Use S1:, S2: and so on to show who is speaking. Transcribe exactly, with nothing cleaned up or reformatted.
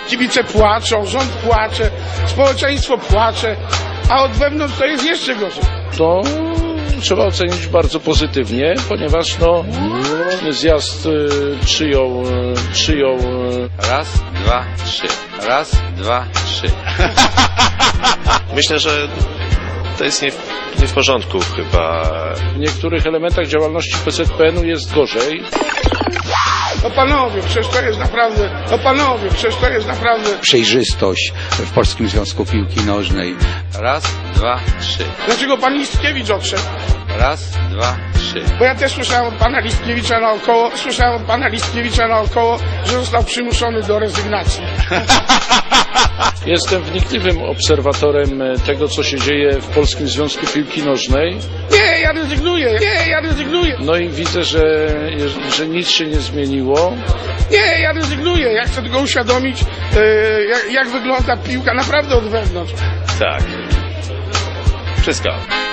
S1: kibice płaczą, rząd płacze, społeczeństwo płacze, a od wewnątrz to jest jeszcze gorzej.
S2: To trzeba ocenić bardzo pozytywnie, ponieważ no, zjazd y, przyjął, y, przyjął y,
S3: Raz, dwa, trzy. Raz, dwa, trzy.
S4: Myślę, że to jest nie w, nie w porządku chyba.
S2: w niektórych elementach działalności P Z P N u jest gorzej.
S1: No panowie, przecież to jest naprawdę, no panowie, przecież to jest naprawdę...
S5: Przejrzystość w Polskim Związku Piłki Nożnej.
S3: Raz, dwa, trzy.
S1: Dlaczego pan Listkiewicz odszedł?
S3: Raz, dwa, trzy.
S1: Bo ja też słyszałem od pana Listkiewicza naokoło, słyszałem od pana Listkiewicza naokoło, że został przymuszony do rezygnacji.
S2: Jestem wnikliwym obserwatorem tego, co się dzieje w Polskim Związku Piłki Nożnej.
S1: Nie, ja rezygnuję, nie, ja rezygnuję,
S2: No i widzę, że, że nic się nie zmieniło.
S1: nie, ja rezygnuję. Ja chcę tylko uświadomić, e, jak, jak wygląda piłka naprawdę od wewnątrz.
S4: Tak. Wszystko.